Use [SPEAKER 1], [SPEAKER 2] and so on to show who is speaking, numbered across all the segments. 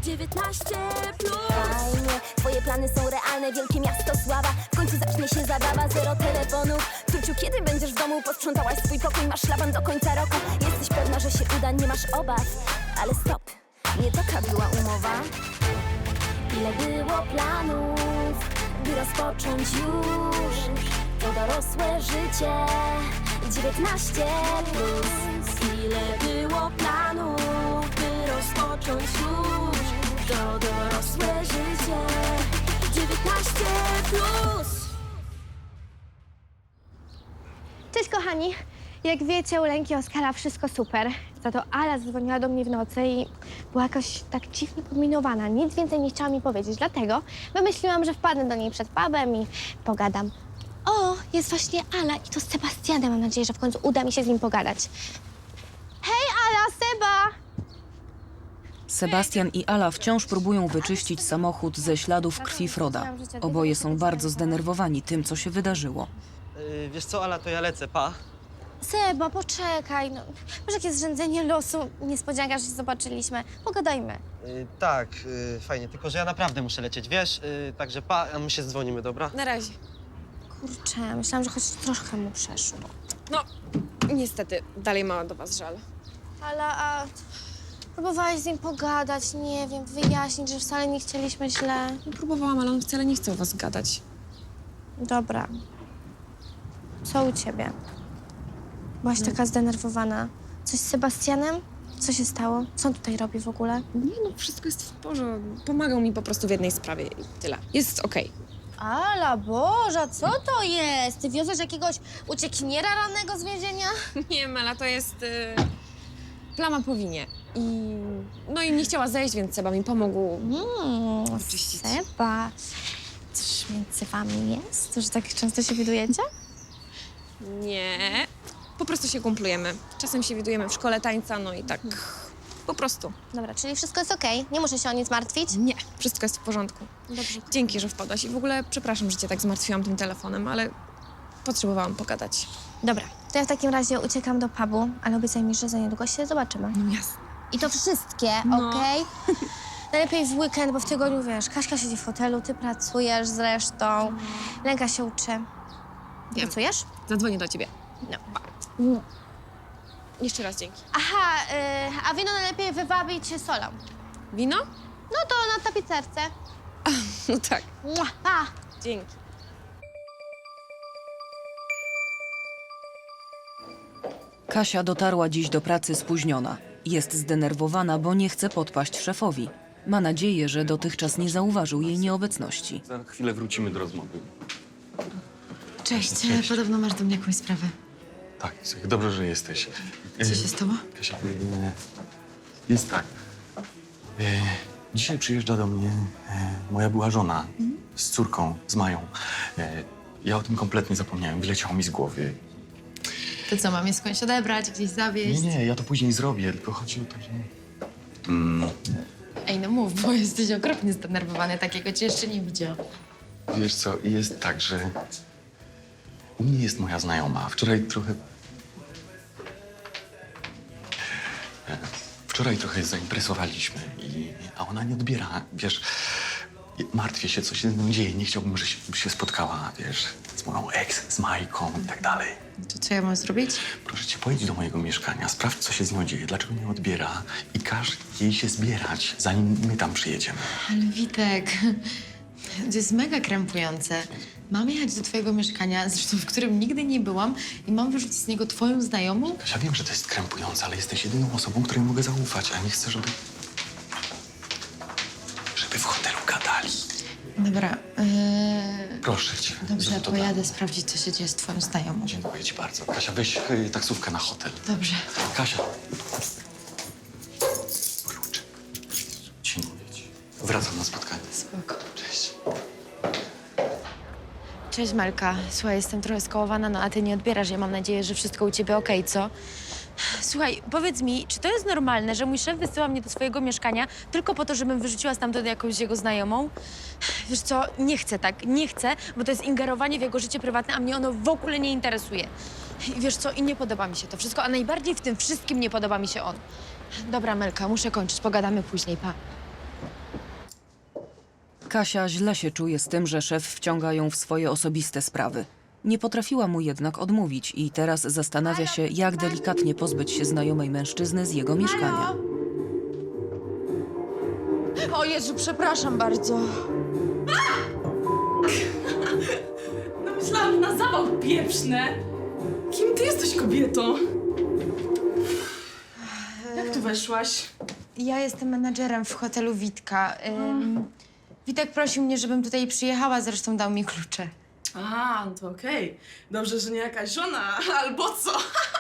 [SPEAKER 1] 19 plus. Fajnie, twoje plany są realne, wielkie miasto sława. W końcu zacznie się zabawa, zero telefonów. Tuciu, kiedy będziesz w domu? Posprzątałaś swój pokój, masz szlaban do końca roku. Jesteś pewna, że się uda, nie masz obaw. Ale stop, nie taka była umowa. Ile było planów, by rozpocząć już to dorosłe życie. 19 plus. Ile było planów, by rozpocząć już to dorosłe życie. 19 plus.
[SPEAKER 2] Cześć kochani! Jak wiecie, u Lenki Oskara wszystko super. Za to Ala zadzwoniła do mnie w nocy i była jakoś tak dziwnie podminowana. Nic więcej nie chciała mi powiedzieć, dlatego wymyśliłam, że wpadnę do niej przed pubem i pogadam. O, jest właśnie Ala i to z Sebastianem. Mam nadzieję, że w końcu uda mi się z nim pogadać. Hej Ala, Seba!
[SPEAKER 3] Sebastian i Ala wciąż próbują wyczyścić samochód ze śladów krwi Froda. Oboje są bardzo zdenerwowani tym, co się wydarzyło.
[SPEAKER 4] Wiesz co, Ala, to ja lecę, pa.
[SPEAKER 2] Seba, poczekaj. No, może jakieś zrzędzenie losu, niespodzianka, że się zobaczyliśmy. Pogadajmy.
[SPEAKER 4] Tak, fajnie, tylko że ja naprawdę muszę lecieć, wiesz? Także pa, a my się dzwonimy, dobra?
[SPEAKER 5] Na razie.
[SPEAKER 2] Kurczę, myślałam, że choć troszkę mu przeszło.
[SPEAKER 5] No, niestety, dalej ma do was żal.
[SPEAKER 2] Ale a próbowałaś z nim pogadać, nie wiem, wyjaśnić, że wcale nie chcieliśmy źle.
[SPEAKER 5] No, próbowałam, ale on wcale nie chce o was gadać.
[SPEAKER 2] Dobra. Co u ciebie? Byłaś taka zdenerwowana. Coś z Sebastianem? Co się stało? Co on tutaj robi w ogóle?
[SPEAKER 5] Nie no, wszystko jest w porządku. Pomagał mi po prostu w jednej sprawie i tyle. Jest okej.
[SPEAKER 2] Ala Boża, co to jest? Ty wiozłeś jakiegoś uciekiniera rannego z więzienia?
[SPEAKER 5] Nie, Mela, to jest plama po winie. No i nie chciała zejść, więc Seba mi pomógł. Oczyścić.
[SPEAKER 2] Seba. Coś między wami jest? Że tak często się widujecie?
[SPEAKER 5] Nie, po prostu się kumplujemy. Czasem się widujemy w szkole tańca, no i tak po prostu.
[SPEAKER 2] Dobra, czyli wszystko jest okej? Nie muszę się o nic martwić?
[SPEAKER 5] Nie, wszystko jest w porządku.
[SPEAKER 2] Dobrze.
[SPEAKER 5] Dzięki, że wpadłaś. I w ogóle przepraszam, że cię tak zmartwiłam tym telefonem, ale potrzebowałam pogadać.
[SPEAKER 2] Dobra, to ja w takim razie uciekam do pubu, ale obiecaj mi, że za niedługo się zobaczymy.
[SPEAKER 5] No jasne.
[SPEAKER 2] I to wszystkie,
[SPEAKER 5] No.
[SPEAKER 2] okej? Najlepiej w weekend, bo w tygodniu, wiesz, Kaśka siedzi w hotelu, ty pracujesz zresztą, Lenka się uczy.
[SPEAKER 5] Wiem.
[SPEAKER 2] Pracujesz?
[SPEAKER 5] Zadzwonię do ciebie.
[SPEAKER 2] No.
[SPEAKER 5] Jeszcze raz dzięki.
[SPEAKER 2] Aha, a wino najlepiej wywabić solą.
[SPEAKER 5] Wino?
[SPEAKER 2] No to na tapicerce.
[SPEAKER 5] No tak.
[SPEAKER 2] Mua, pa!
[SPEAKER 5] Dzięki.
[SPEAKER 3] Kasia dotarła dziś do pracy spóźniona. Jest zdenerwowana, bo nie chce podpaść szefowi. Ma nadzieję, że dotychczas nie zauważył jej nieobecności.
[SPEAKER 6] Za chwilę wrócimy do rozmowy.
[SPEAKER 7] Cześć.
[SPEAKER 6] Cześć.
[SPEAKER 7] Podobno masz do mnie jakąś sprawę.
[SPEAKER 6] Tak, słuchaj, dobrze, że jesteś.
[SPEAKER 7] Co się stało?
[SPEAKER 6] Kasia, jest tak. Dzisiaj przyjeżdża do mnie moja była żona z córką, z Mają. Ja o tym kompletnie zapomniałem, wyleciało mi z głowy.
[SPEAKER 7] To co, mam je skądś odebrać, gdzieś zawieźć?
[SPEAKER 6] Nie, ja to później zrobię, tylko chodzi o to, że...
[SPEAKER 7] Ej, no mów, bo jesteś okropnie zdenerwowany. Takiego cię jeszcze nie widziałam.
[SPEAKER 6] Wiesz co, jest tak, że u mnie jest moja znajoma. Wczoraj trochę zaimpresowaliśmy, a ona nie odbiera, wiesz, martwię się, co się z nią dzieje. Nie chciałbym, żeby się spotkała, wiesz, z moją ex, z Majką i tak dalej.
[SPEAKER 7] To co ja mam zrobić?
[SPEAKER 6] Proszę cię, pojedź do mojego mieszkania, sprawdź, co się z nią dzieje, dlaczego nie odbiera i każ jej się zbierać, zanim my tam przyjedziemy.
[SPEAKER 7] Ale Witek, to jest mega krępujące. Mam jechać do twojego mieszkania, zresztą w którym nigdy nie byłam i mam wyrzucić z niego twoją znajomą?
[SPEAKER 6] Kasia, wiem, że to jest krępujące, ale jesteś jedyną osobą, której mogę zaufać, a nie chcę, żeby w hotelu gadali.
[SPEAKER 7] Dobra,
[SPEAKER 6] Proszę cię.
[SPEAKER 7] dobrze,
[SPEAKER 6] zrób to
[SPEAKER 7] pojadę sprawdzić, co się dzieje z twoją znajomą.
[SPEAKER 6] tak. Dziękuję ci bardzo. Kasia, weź taksówkę na hotel.
[SPEAKER 7] Dobrze.
[SPEAKER 6] Kasia. Klucze. Dziękuję ci. Wracam na spotkanie.
[SPEAKER 7] Spoko.
[SPEAKER 6] Cześć.
[SPEAKER 7] Cześć Melka. Słuchaj, jestem trochę skołowana, no a ty nie odbierasz. Ja mam nadzieję, że wszystko u ciebie okej, co? Słuchaj, powiedz mi, czy to jest normalne, że mój szef wysyła mnie do swojego mieszkania tylko po to, żebym wyrzuciła stamtąd jakąś jego znajomą? Wiesz co, nie chcę tak, nie chcę, bo to jest ingerowanie w jego życie prywatne, a mnie ono w ogóle nie interesuje. I wiesz co, i nie podoba mi się to wszystko, a najbardziej w tym wszystkim nie podoba mi się on. Dobra, Melka, muszę kończyć, pogadamy później, pa.
[SPEAKER 3] Kasia źle się czuje z tym, że szef wciąga ją w swoje osobiste sprawy. Nie potrafiła mu jednak odmówić i teraz zastanawia się, jak delikatnie pozbyć się znajomej mężczyzny z jego mieszkania.
[SPEAKER 7] O Jezu, przepraszam bardzo.
[SPEAKER 8] No myślałam na zawał pieprzne. Kim ty jesteś, kobieto? Jak tu weszłaś?
[SPEAKER 7] Ja jestem menadżerem w hotelu Witka. Witek prosił mnie, żebym tutaj przyjechała, zresztą dał mi klucze.
[SPEAKER 8] A, no to okej. Dobrze, że nie jakaś żona, albo co?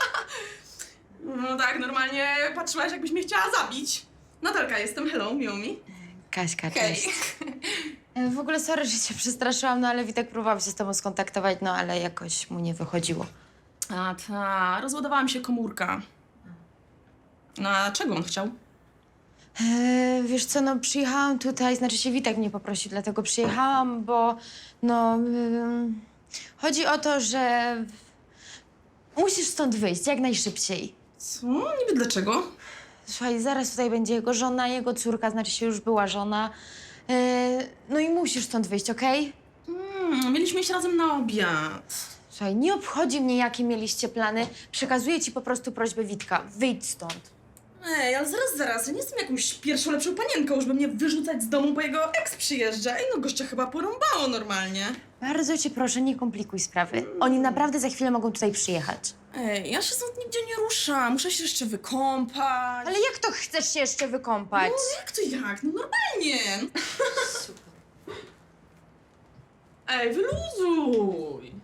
[SPEAKER 8] No tak, normalnie patrzyłaś, jakbyś mnie chciała zabić. Natalka jestem, hello, miło mi.
[SPEAKER 7] Kaśka,
[SPEAKER 8] Hej.
[SPEAKER 7] cześć. W ogóle sorry, że cię przestraszyłam, no ale Witek próbował się z tobą skontaktować, no ale jakoś mu nie wychodziło.
[SPEAKER 8] A ta, rozładowała mi się komórka. No a czego on chciał?
[SPEAKER 7] Wiesz co, no przyjechałam tutaj, znaczy się Witek mnie poprosił, dlatego przyjechałam, bo no... chodzi o to, że musisz stąd wyjść jak najszybciej.
[SPEAKER 8] Co? Niby dlaczego?
[SPEAKER 7] Słuchaj, zaraz tutaj będzie jego żona, jego córka, znaczy się już była żona. No i musisz stąd wyjść, okej?
[SPEAKER 8] Mieliśmy iść razem na obiad.
[SPEAKER 7] Słuchaj, nie obchodzi mnie, jakie mieliście plany. Przekazuję ci po prostu prośbę Witka. Wyjdź stąd.
[SPEAKER 8] Ej, ale zaraz, ja nie jestem jakąś pierwszą lepszą panienką, żeby mnie wyrzucać z domu, bo jego ex przyjeżdża. Ej, no gościa chyba porąbało normalnie.
[SPEAKER 7] Bardzo cię proszę, nie komplikuj sprawy. Oni naprawdę za chwilę mogą tutaj przyjechać.
[SPEAKER 8] Ej, ja się stąd nigdzie nie ruszam, muszę się jeszcze wykąpać.
[SPEAKER 7] Ale jak to chcesz się jeszcze wykąpać?
[SPEAKER 8] No jak to jak? No normalnie. Ej, wyluzuj.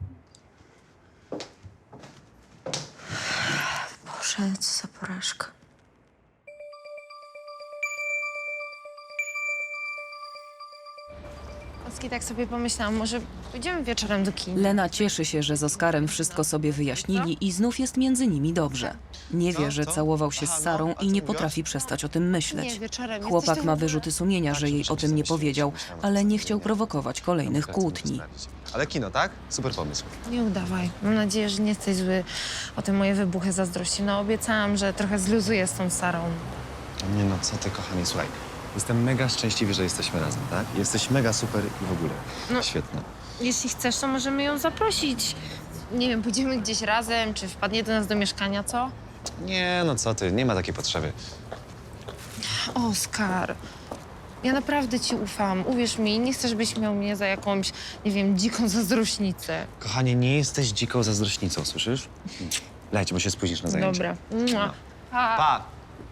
[SPEAKER 7] Boże, co za porażka. Oski, tak sobie pomyślałam, może pójdziemy wieczorem do kina.
[SPEAKER 3] Lena cieszy się, że z Oskarem wszystko sobie wyjaśnili i znów jest między nimi dobrze. Nie wie, że całował się z Sarą i nie potrafi przestać o tym myśleć.
[SPEAKER 7] wieczorem.
[SPEAKER 3] Chłopak ma wyrzuty sumienia, że jej o tym nie powiedział, ale nie chciał prowokować kolejnych kłótni.
[SPEAKER 9] Ale kino, tak? Super pomysł.
[SPEAKER 7] Nie udawaj. Mam nadzieję, że nie jesteś zły o te moje wybuchy zazdrości. No obiecałam, że trochę zluzuję z tą Sarą.
[SPEAKER 9] Nie no, co ty, kochanie, słuchaj. Jestem mega szczęśliwy, że jesteśmy razem, tak? Jesteś mega super i w ogóle.
[SPEAKER 7] No.
[SPEAKER 9] Świetna.
[SPEAKER 7] Jeśli chcesz, to możemy ją zaprosić. Nie wiem, pójdziemy gdzieś razem, czy wpadnie do nas do mieszkania, co?
[SPEAKER 9] Nie no, co ty, nie ma takiej potrzeby.
[SPEAKER 7] Oskar, ja naprawdę ci ufam. Uwierz mi, nie chcę, żebyś miał mnie za jakąś, nie wiem, dziką zazdrośnicę.
[SPEAKER 9] Kochanie, nie jesteś dziką zazdrośnicą, słyszysz? Leć, bo się spóźnisz na zajęcie.
[SPEAKER 7] Dobra. Mua.
[SPEAKER 9] No.
[SPEAKER 7] Pa.
[SPEAKER 9] Pa!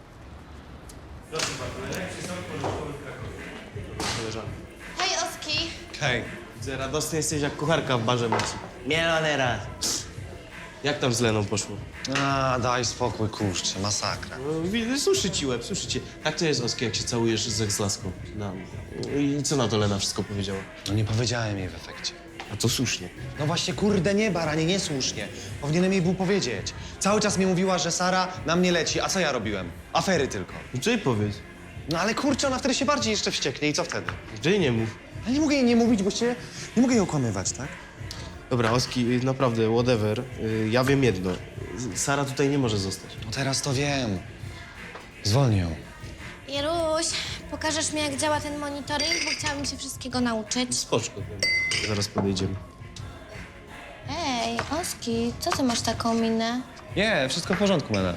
[SPEAKER 2] Hej, Oski.
[SPEAKER 10] Hej, widzę, radosny jesteś jak kucharka w barze mocy. Mielony raz. Jak tam z Leną poszło?
[SPEAKER 9] A, daj spokój, kurczę, masakra.
[SPEAKER 10] No, widzę, suszy ci łeb, suszy cię. Jak to jest, Oski, jak się całujesz z laską? No. I co na to Lena wszystko powiedziała?
[SPEAKER 9] No nie powiedziałem jej w efekcie.
[SPEAKER 10] A to słusznie.
[SPEAKER 9] No właśnie, kurde, nie, baranie, niesłusznie. Powinienem jej był powiedzieć. Cały czas mi mówiła, że Sara na mnie leci, a co ja robiłem? Afery tylko.
[SPEAKER 10] No to jej powiedz.
[SPEAKER 9] No ale kurczę, ona wtedy się bardziej jeszcze wścieknie i co wtedy?
[SPEAKER 10] Że jej nie mów.
[SPEAKER 9] Ale nie mogę jej nie mówić, bo się... Nie mogę jej okłamywać, tak?
[SPEAKER 10] Dobra, Oski, naprawdę, whatever. Ja wiem jedno. Sara tutaj nie może zostać.
[SPEAKER 9] No teraz to wiem. Zwolnię ją.
[SPEAKER 2] Jeruś, pokażesz mi, jak działa ten monitoring, bo chciałabym się wszystkiego nauczyć.
[SPEAKER 10] Spoczko, zaraz podejdziemy.
[SPEAKER 2] Ej, Oski, co ty masz taką minę?
[SPEAKER 9] Nie, wszystko w porządku, Mena.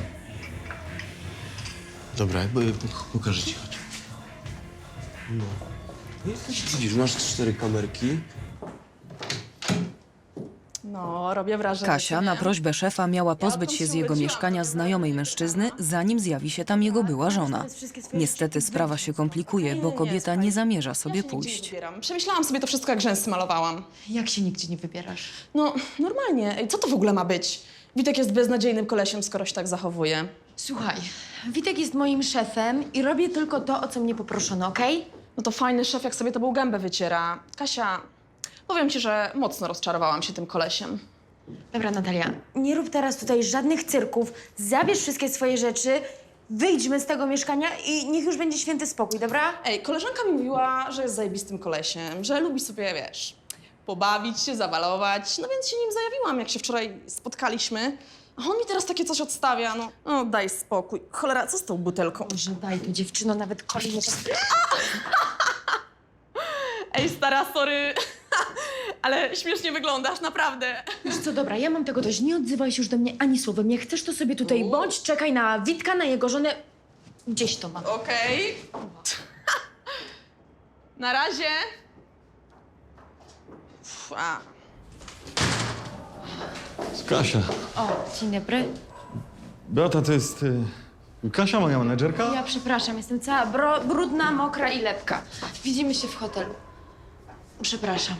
[SPEAKER 10] Dobra, pokażę ci, chodź. No. Widzisz, masz 4 kamerki.
[SPEAKER 8] No, robię wrażenie.
[SPEAKER 3] Kasia na prośbę szefa miała pozbyć się z jego mieszkania znajomej mężczyzny, zanim zjawi się tam jego była żona. Niestety sprawa się komplikuje, bo kobieta nie zamierza sobie pójść.
[SPEAKER 8] Przemyślałam sobie to wszystko, jak rzęsy malowałam.
[SPEAKER 7] Jak się nigdzie nie wybierasz?
[SPEAKER 8] No, normalnie. Ej, co to w ogóle ma być? Witek jest beznadziejnym kolesiem, skoro się tak zachowuje.
[SPEAKER 7] Słuchaj, Witek jest moim szefem i robię tylko to, o co mnie poproszono, okej?
[SPEAKER 8] No to fajny szef, jak sobie tobą gębę wyciera. Kasia, powiem ci, że mocno rozczarowałam się tym kolesiem.
[SPEAKER 7] Dobra, Natalia, nie rób teraz tutaj żadnych cyrków, zabierz wszystkie swoje rzeczy, wyjdźmy z tego mieszkania i niech już będzie święty spokój, dobra?
[SPEAKER 8] Ej, koleżanka mi mówiła, że jest zajebistym kolesiem, że lubi sobie, wiesz, pobawić się, zawalować. No więc się nim zajawiłam, jak się wczoraj spotkaliśmy. A on mi teraz takie coś odstawia, no. No daj spokój. Cholera, co z tą butelką?
[SPEAKER 7] Boże, daj tu dziewczyno, nawet kolejny czas.
[SPEAKER 8] Ej, stara, sorry, ale śmiesznie wyglądasz, naprawdę.
[SPEAKER 7] Wiesz co, dobra, ja mam tego dość. Nie odzywaj się już do mnie ani słowem. Jak chcesz, to sobie tutaj bądź, czekaj na Witka, na jego żonę. Gdzieś to ma.
[SPEAKER 8] Okej. Na razie.
[SPEAKER 6] Kasia.
[SPEAKER 7] O, dzień dobry.
[SPEAKER 6] Beata, to jest Kasia, moja menedżerka?
[SPEAKER 7] Ja przepraszam, jestem cała brudna, mokra i lepka. Widzimy się w hotelu. Przepraszam.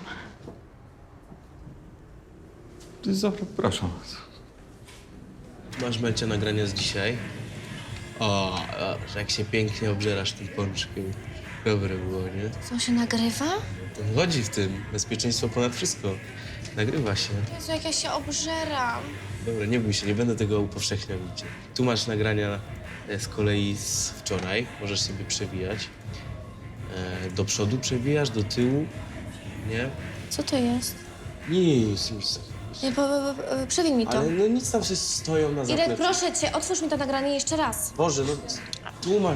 [SPEAKER 6] Zapraszam.
[SPEAKER 10] Masz, Melcia, nagrania z dzisiaj? O, że jak się pięknie obżerasz tym pączkiem. Dobre było, nie?
[SPEAKER 2] Co się nagrywa?
[SPEAKER 10] To chodzi w tym. Bezpieczeństwo ponad wszystko. Nagrywa się.
[SPEAKER 2] Jezu, jak ja się obżeram.
[SPEAKER 10] Dobra, nie bój się, nie będę tego upowszechniał nigdzie. Tu masz nagrania z kolei z wczoraj. Możesz sobie przewijać. Do przodu przewijasz, do tyłu. Nie?
[SPEAKER 2] Co to jest?
[SPEAKER 10] Nic.
[SPEAKER 2] Nie, przewin mi to.
[SPEAKER 10] Ale no nic tam się stoją na
[SPEAKER 2] Irek,
[SPEAKER 10] zapleczu.
[SPEAKER 2] proszę cię, otwórz mi to nagranie jeszcze raz.
[SPEAKER 10] Boże, no tu masz.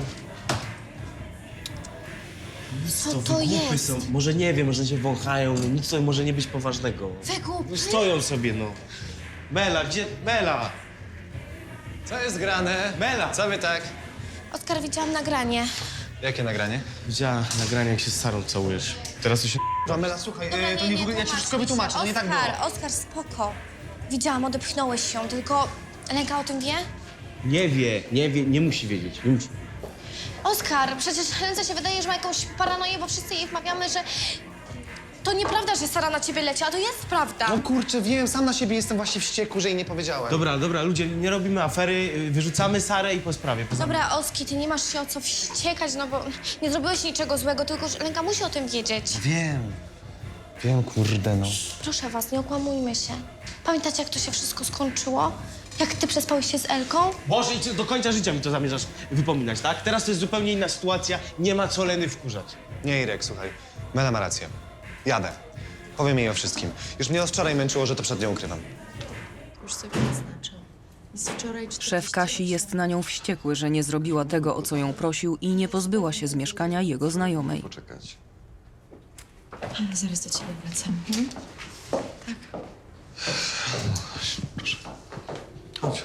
[SPEAKER 2] Co
[SPEAKER 10] wy
[SPEAKER 2] to
[SPEAKER 10] głupy
[SPEAKER 2] jest?
[SPEAKER 10] Są. Może nie wiem, może się wąchają, no nic to może nie być poważnego.
[SPEAKER 2] Wygłup.
[SPEAKER 10] No stoją sobie, no.
[SPEAKER 9] Mela, gdzie... Mela! Co jest grane? Mela! Co wy tak?
[SPEAKER 2] Oskar, widziałam nagranie.
[SPEAKER 9] Jakie nagranie?
[SPEAKER 10] Widziała nagranie, jak się z Sarą całujesz. Teraz to się...
[SPEAKER 9] Mela, słuchaj, to nie w ogóle... Ja ci wszystko wytłumaczę, to nie tak było.
[SPEAKER 2] Oskar, spoko. Widziałam, odepchnąłeś się, tylko Lenka o tym wie?
[SPEAKER 10] nie musi wiedzieć, nie musi.
[SPEAKER 2] Oskar, przecież Lence się wydaje, że ma jakąś paranoję, bo wszyscy jej wmawiamy, że to nieprawda, że Sara na ciebie leci, a to jest prawda.
[SPEAKER 9] No kurczę, wiem, sam na siebie jestem właśnie wściekły, że jej nie powiedziałem.
[SPEAKER 10] Dobra, ludzie, nie robimy afery, wyrzucamy Sarę i po sprawie.
[SPEAKER 2] Dobra, Oski, ty nie masz się o co wściekać, no bo nie zrobiłeś niczego złego, tylko że Lenka musi o tym wiedzieć.
[SPEAKER 9] Wiem, kurde, no.
[SPEAKER 2] Proszę was, nie okłamujmy się. Pamiętacie, jak to się wszystko skończyło? Jak ty przespałeś się z Elką?
[SPEAKER 10] Boże, i ty do końca życia mi to zamierzasz wypominać, tak? Teraz to jest zupełnie inna sytuacja, nie ma co Leny wkurzać.
[SPEAKER 9] Nie, Irek, słuchaj. Mela ma rację. Jadę. Powiem jej o wszystkim. Już mnie od wczoraj męczyło, że to przed nią ukrywam.
[SPEAKER 7] Już sobie zaznaczę. Z wczoraj
[SPEAKER 3] Szef Kasi jest na nią wściekły, że nie zrobiła tego, o co ją prosił i nie pozbyła się z mieszkania jego znajomej.
[SPEAKER 6] Poczekać.
[SPEAKER 7] Zaraz do ciebie wracam.
[SPEAKER 6] Proszę. Chodź.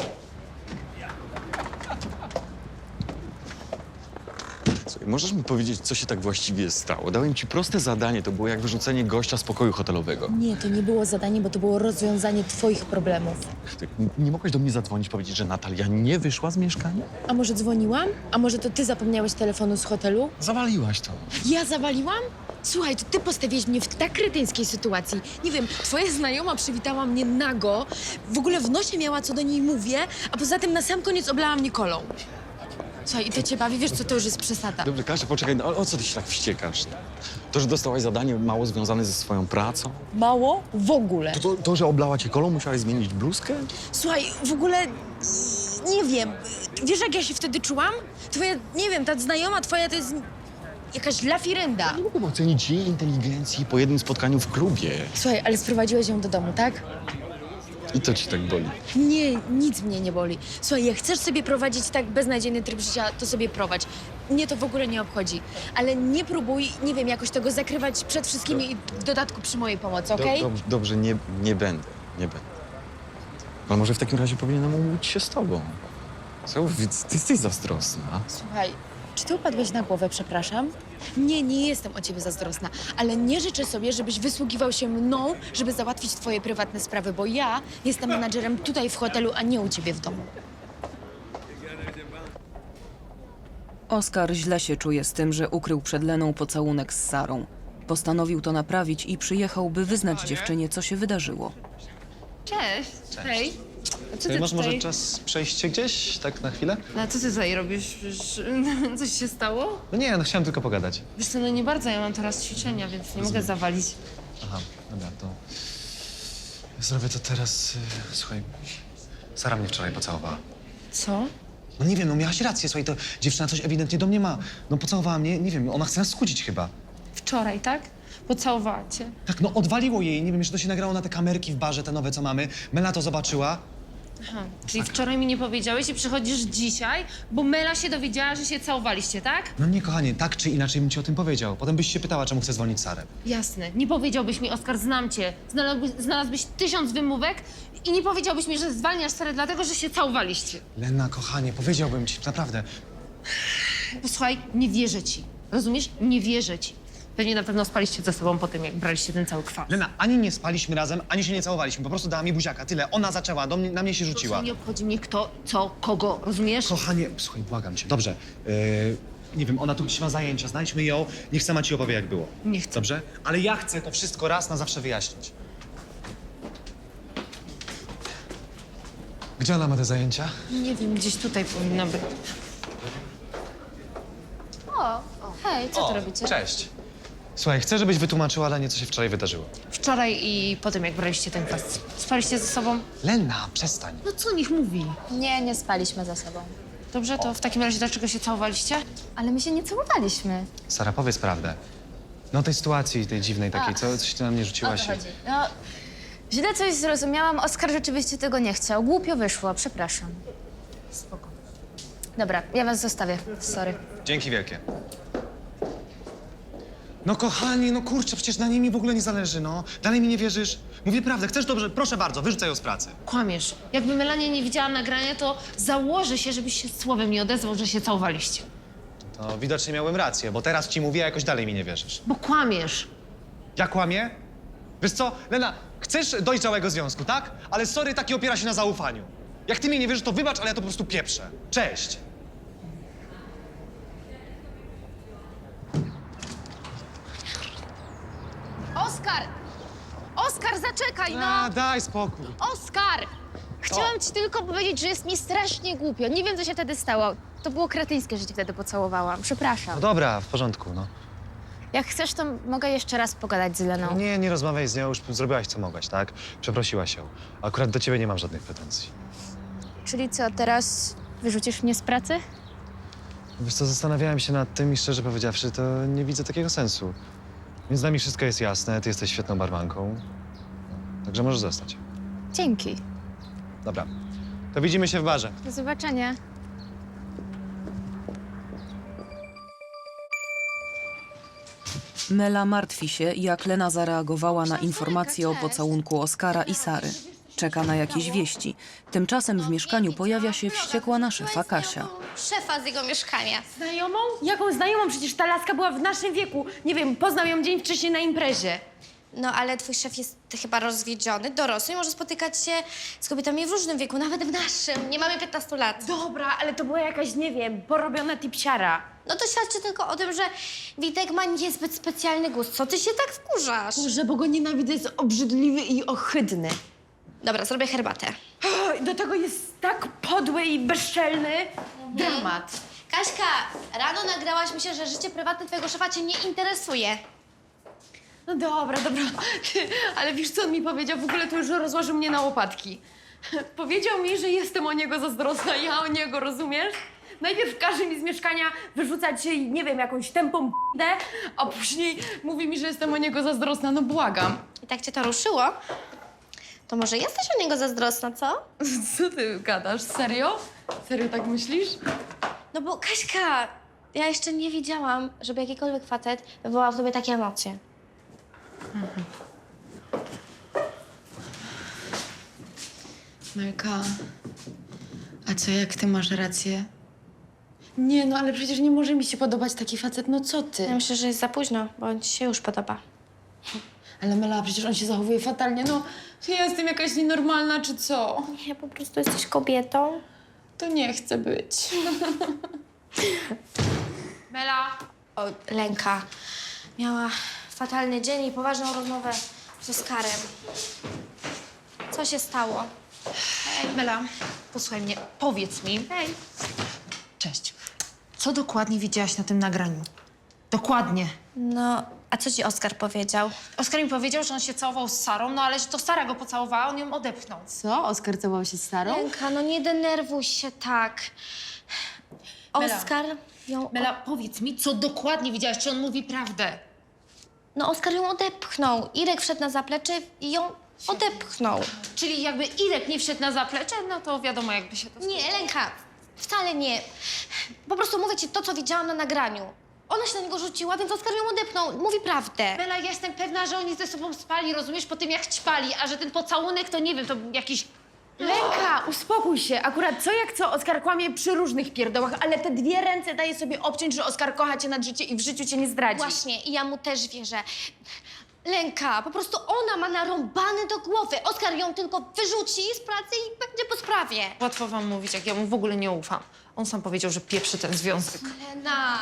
[SPEAKER 6] Słuchaj, możesz mi powiedzieć, co się tak właściwie stało? Dałem ci proste zadanie, to było jak wyrzucenie gościa z pokoju hotelowego.
[SPEAKER 7] Nie, to nie było zadanie, bo to było rozwiązanie twoich problemów.
[SPEAKER 6] Ty nie mogłeś do mnie zadzwonić, powiedzieć, że Natalia nie wyszła z mieszkania?
[SPEAKER 7] A może dzwoniłam? A może to ty zapomniałeś telefonu z hotelu?
[SPEAKER 6] Zawaliłaś to.
[SPEAKER 7] Ja zawaliłam? Słuchaj, to ty postawiłeś mnie w tak kretyńskiej sytuacji. Nie wiem, twoja znajoma przywitała mnie nago, w ogóle w nosie miała, co do niej mówię, a poza tym na sam koniec oblała mnie kolą. Słuchaj, i to cię bawi, wiesz co, to już jest przesada.
[SPEAKER 6] Dobrze, Kasia, poczekaj, no, o co ty się tak wściekasz? To, że dostałaś zadanie mało związane ze swoją pracą?
[SPEAKER 7] Mało? W ogóle.
[SPEAKER 6] To, że oblała cię kolą, musiałaś zmienić bluzkę?
[SPEAKER 7] Słuchaj, w ogóle nie wiem. Wiesz, jak ja się wtedy czułam? Twoja, nie wiem, ta znajoma twoja to jest jakaś lafirenda.
[SPEAKER 6] Nie mogłem ocenić jej inteligencji po jednym spotkaniu w klubie.
[SPEAKER 7] Słuchaj, ale sprowadziłeś ją do domu, tak?
[SPEAKER 6] I to ci tak boli.
[SPEAKER 7] Nie, nic mnie nie boli. Słuchaj, jak chcesz sobie prowadzić tak beznadziejny tryb życia, to sobie prowadź. Mnie to w ogóle nie obchodzi. Ale nie próbuj, nie wiem, jakoś tego zakrywać przed wszystkimi i w dodatku przy mojej pomocy, okej?
[SPEAKER 6] Dobrze, nie będę. Ale może w takim razie powinienem umówić się z tobą. Co? Ty jesteś zazdrosna.
[SPEAKER 7] Słuchaj, czy ty upadłeś na głowę, przepraszam? Nie jestem o ciebie zazdrosna, ale nie życzę sobie, żebyś wysługiwał się mną, żeby załatwić twoje prywatne sprawy, bo ja jestem menadżerem tutaj w hotelu, a nie u ciebie w domu.
[SPEAKER 3] Oskar źle się czuje z tym, że ukrył przed Leną pocałunek z Sarą. Postanowił to naprawić i przyjechał, by wyznać dziewczynie, co się wydarzyło.
[SPEAKER 11] Cześć. Hej. A co ty
[SPEAKER 9] Masz
[SPEAKER 11] tutaj?
[SPEAKER 9] może czas przejść się gdzieś, tak na chwilę?
[SPEAKER 11] No, a co ty tutaj robisz? Coś się stało?
[SPEAKER 9] No nie, no chciałem tylko pogadać.
[SPEAKER 11] Wiesz co, no nie bardzo, ja mam teraz ćwiczenia, więc nie mogę zawalić.
[SPEAKER 9] Aha, dobra, to... Zrobię to teraz... Słuchaj, Sara mnie wczoraj pocałowała.
[SPEAKER 11] Co?
[SPEAKER 9] No nie wiem, no miałaś rację, słuchaj, to dziewczyna coś ewidentnie do mnie ma. No pocałowała mnie, nie wiem, ona chce nas skłócić chyba.
[SPEAKER 11] Wczoraj, tak? Pocałowała cię.
[SPEAKER 9] Tak, no odwaliło jej, nie wiem, jeszcze to się nagrało na te kamerki w barze, te nowe, co mamy. Mela to zobaczyła.
[SPEAKER 7] Aha, czyli wczoraj mi nie powiedziałeś i przychodzisz dzisiaj, bo Mela się dowiedziała, że się całowaliście, tak?
[SPEAKER 9] No nie, kochanie, tak czy inaczej bym ci o tym powiedział. Potem byś się pytała, czemu chcę zwolnić Sarę.
[SPEAKER 7] Jasne. Nie powiedziałbyś mi, Oskar, znam cię. Znalazłbyś 1000 wymówek i nie powiedziałbyś mi, że zwalniasz Sarę dlatego, że się całowaliście.
[SPEAKER 9] Lena, kochanie, powiedziałbym ci, naprawdę.
[SPEAKER 7] Posłuchaj, nie wierzę ci. Rozumiesz? Nie wierzę ci. Pewnie na pewno spaliście ze sobą po tym, jak braliście ten cały kwas.
[SPEAKER 9] Lena, ani nie spaliśmy razem, ani się nie całowaliśmy. Po prostu dała mi buziaka, tyle. Ona zaczęła, na mnie się rzuciła.
[SPEAKER 7] Nie obchodzi mnie kto, co, kogo, rozumiesz?
[SPEAKER 9] Kochanie, słuchaj, błagam cię. Dobrze, nie wiem, ona tu gdzieś ma zajęcia, znajdźmy ją, niech sama ci opowie, jak było.
[SPEAKER 7] Nie chcę.
[SPEAKER 9] Dobrze? Ale ja chcę to wszystko raz na zawsze wyjaśnić. Gdzie ona ma te zajęcia?
[SPEAKER 7] Nie wiem, gdzieś tutaj powinna być.
[SPEAKER 1] Hej, co tu robicie?
[SPEAKER 9] Cześć. Słuchaj, chcę, żebyś wytłumaczyła Lenie, co się wczoraj wydarzyło.
[SPEAKER 7] Wczoraj i po tym, jak braliście ten kwas, spaliście ze sobą?
[SPEAKER 9] Lena, przestań.
[SPEAKER 7] No co niech mówi?
[SPEAKER 1] Nie, nie spaliśmy ze sobą.
[SPEAKER 7] Dobrze, to w takim razie dlaczego się całowaliście?
[SPEAKER 1] Ale my się nie całowaliśmy.
[SPEAKER 9] Sara, powiedz prawdę. No tej sytuacji, tej dziwnej takiej, coś ty na mnie rzuciłaś.
[SPEAKER 1] No, źle coś zrozumiałam. Oskar rzeczywiście tego nie chciał. Głupio wyszło, przepraszam.
[SPEAKER 7] Spoko.
[SPEAKER 1] Dobra, ja was zostawię. Sorry.
[SPEAKER 9] Dzięki wielkie. No kochani, no kurczę, przecież na niej mi w ogóle nie zależy, no. Dalej mi nie wierzysz? Mówię prawdę, chcesz dobrze? Proszę bardzo, wyrzucaj ją z pracy.
[SPEAKER 7] Kłamiesz. Jakby Melania nie widziała nagrania, to założę się, żebyś się słowem nie odezwał, że się całowaliście.
[SPEAKER 9] To widocznie miałem rację, bo teraz ci mówię, a jakoś dalej mi nie wierzysz.
[SPEAKER 7] Bo kłamiesz.
[SPEAKER 9] Ja kłamię? Wiesz co, Lena, chcesz dojrzałego związku, tak? Ale sorry, taki opiera się na zaufaniu. Jak ty mnie nie wierzysz, to wybacz, ale ja to po prostu pieprzę. Cześć!
[SPEAKER 2] Oskar! Oskar, zaczekaj, no!
[SPEAKER 9] A, daj spokój.
[SPEAKER 2] Oskar! Chciałam ci tylko powiedzieć, że jest mi strasznie głupio. Nie wiem, co się wtedy stało. To było kretyńskie, że cię wtedy pocałowałam. Przepraszam.
[SPEAKER 9] No dobra, w porządku, no.
[SPEAKER 1] Jak chcesz, to mogę jeszcze raz pogadać z Leną.
[SPEAKER 9] No nie rozmawiaj z nią, już zrobiłaś co mogłaś, tak? Przeprosiłaś ją. Akurat do ciebie nie mam żadnych pretensji.
[SPEAKER 1] Czyli co, teraz wyrzucisz mnie z pracy?
[SPEAKER 9] Wiesz co, zastanawiałem się nad tym i szczerze powiedziawszy, to nie widzę takiego sensu. Między nami wszystko jest jasne, ty jesteś świetną barmanką. Także możesz zostać.
[SPEAKER 1] Dzięki.
[SPEAKER 9] Dobra, to widzimy się w barze.
[SPEAKER 1] Do zobaczenia.
[SPEAKER 3] Mela martwi się, jak Lena zareagowała na informację o pocałunku Oskara i Sary. Czeka na jakieś wieści. Tymczasem w mieszkaniu pojawia się wściekła na szefa Kasia.
[SPEAKER 2] Szefa z jego mieszkania.
[SPEAKER 7] Znajomą? Jaką znajomą? Przecież ta laska była w naszym wieku. Nie wiem, poznał ją dzień wcześniej na imprezie.
[SPEAKER 2] No, ale twój szef jest chyba rozwiedziony, dorosły i może spotykać się z kobietami w różnym wieku, nawet w naszym. Nie mamy 15 lat.
[SPEAKER 7] Dobra, ale to była jakaś, nie wiem, porobiona tipsiara.
[SPEAKER 2] No to świadczy tylko o tym, że Witek ma niezbyt specjalny gust. Co ty się tak wkurzasz?
[SPEAKER 7] Boże, bo go nienawidzę, jest obrzydliwy i ohydny.
[SPEAKER 2] Dobra, zrobię herbatę.
[SPEAKER 7] Do tego jest tak podły i bezczelny. Dramat.
[SPEAKER 2] Kaśka, rano nagrałaś mi się, że życie prywatne twojego szefa cię nie interesuje.
[SPEAKER 7] No dobra, ale wiesz, co on mi powiedział? W ogóle to już rozłożył mnie na łopatki. Powiedział mi, że jestem o niego zazdrosna, ja o niego, rozumiesz? Najpierw każe mi z mieszkania wyrzucać, nie wiem, jakąś tępą p***ę, a później mówi mi, że jestem o niego zazdrosna. No błagam.
[SPEAKER 2] I tak cię to ruszyło? To może jesteś o niego zazdrosna, co?
[SPEAKER 7] Co ty gadasz? Serio? Serio tak myślisz?
[SPEAKER 2] No bo Kaśka, ja jeszcze nie widziałam, żeby jakikolwiek facet wywołał w tobie takie emocje.
[SPEAKER 11] Melka, a co jak ty masz rację?
[SPEAKER 7] Nie, no ale przecież nie może mi się podobać taki facet, no co ty?
[SPEAKER 2] Ja myślę, że jest za późno, bo on ci się już podoba.
[SPEAKER 7] Ale Mela, przecież on się zachowuje fatalnie, no ja jestem jakaś nienormalna, czy co?
[SPEAKER 2] Nie, po prostu jesteś kobietą.
[SPEAKER 7] To nie chcę być. Mela!
[SPEAKER 2] O, Lenka miała fatalny dzień i poważną rozmowę z Oskarem. Co się stało?
[SPEAKER 7] Hej, Mela, posłuchaj mnie, powiedz mi.
[SPEAKER 2] Hej.
[SPEAKER 7] Cześć. Co dokładnie widziałaś na tym nagraniu? Dokładnie.
[SPEAKER 2] No, a co ci Oskar powiedział?
[SPEAKER 7] Oskar mi powiedział, że on się całował z Sarą, no ale że to Sara go pocałowała, on ją odepchnął.
[SPEAKER 11] Co? Oskar całował się z Sarą?
[SPEAKER 2] Lenka, no nie denerwuj się tak.
[SPEAKER 7] Mela.
[SPEAKER 2] Oskar ją...
[SPEAKER 7] Mela, powiedz mi, co dokładnie widziałaś, czy on mówi prawdę?
[SPEAKER 2] No, Oskar ją odepchnął. Irek wszedł na zaplecze i ją Odepchnął.
[SPEAKER 11] Czyli jakby Irek nie wszedł na zaplecze, no to wiadomo, jakby się to...
[SPEAKER 2] Nie, Lenka, wcale nie. Po prostu mówię ci to, co widziałam na nagraniu. Ona się na niego rzuciła, więc Oskar ją odepnął. Mówi prawdę.
[SPEAKER 11] Bela, ja jestem pewna, że oni ze sobą spali, rozumiesz, po tym jak ćpali, a że ten pocałunek to nie wiem, to był jakiś...
[SPEAKER 7] Lenka, uspokój się. Akurat co jak co, Oskar kłamie przy różnych pierdołach, ale te 2 ręce daje sobie obciąć, że Oskar kocha cię nad życie i w życiu cię nie zdradzi.
[SPEAKER 2] Właśnie, i ja mu też wierzę. Lenka, po prostu ona ma narąbane do głowy. Oskar ją tylko wyrzuci z pracy i będzie po sprawie.
[SPEAKER 11] Łatwo wam mówić, jak ja mu w ogóle nie ufam. On sam powiedział, że pieprzy ten związek.
[SPEAKER 2] Lena.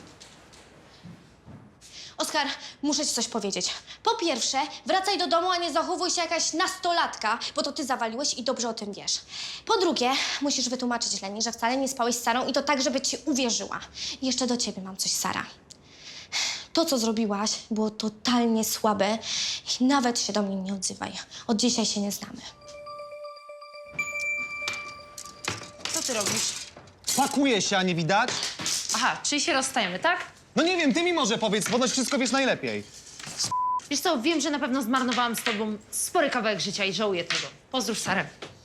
[SPEAKER 2] Oskar, muszę ci coś powiedzieć. Po pierwsze, wracaj do domu, a nie zachowuj się jakaś nastolatka, bo to ty zawaliłeś i dobrze o tym wiesz. Po drugie, musisz wytłumaczyć Leni, że wcale nie spałeś z Sarą i to tak, żeby ci uwierzyła. I jeszcze do ciebie mam coś, Sara. To, co zrobiłaś, było totalnie słabe i nawet się do mnie nie odzywaj. Od dzisiaj się nie znamy.
[SPEAKER 11] Co ty robisz?
[SPEAKER 12] Pakuje się, a nie widać?
[SPEAKER 11] Aha, czyli się rozstajemy, tak?
[SPEAKER 12] No nie wiem, ty mi może powiedz, ponoć wszystko wiesz najlepiej.
[SPEAKER 11] Wiesz co, wiem, że na pewno zmarnowałam z tobą spory kawałek życia i żałuję tego. Pozdrów Sarę.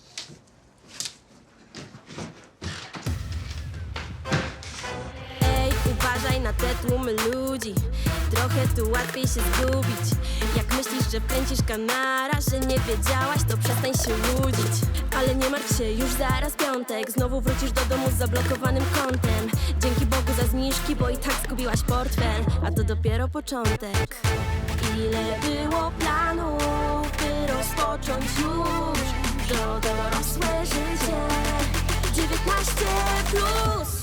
[SPEAKER 1] Ej, uważaj na te tłumy ludzi. Trochę tu łatwiej się zgubić. Jak myślisz, że kręcisz kanara, że nie wiedziałaś, to przestań się łudzić. Ale nie martw się, już zaraz piątek. Znowu wrócisz do domu z zablokowanym kontem. Dzięki Bogu za zniżki, bo i tak zgubiłaś portfel. A to dopiero początek. Ile było planów, by rozpocząć już to dorosłe życie. 19+.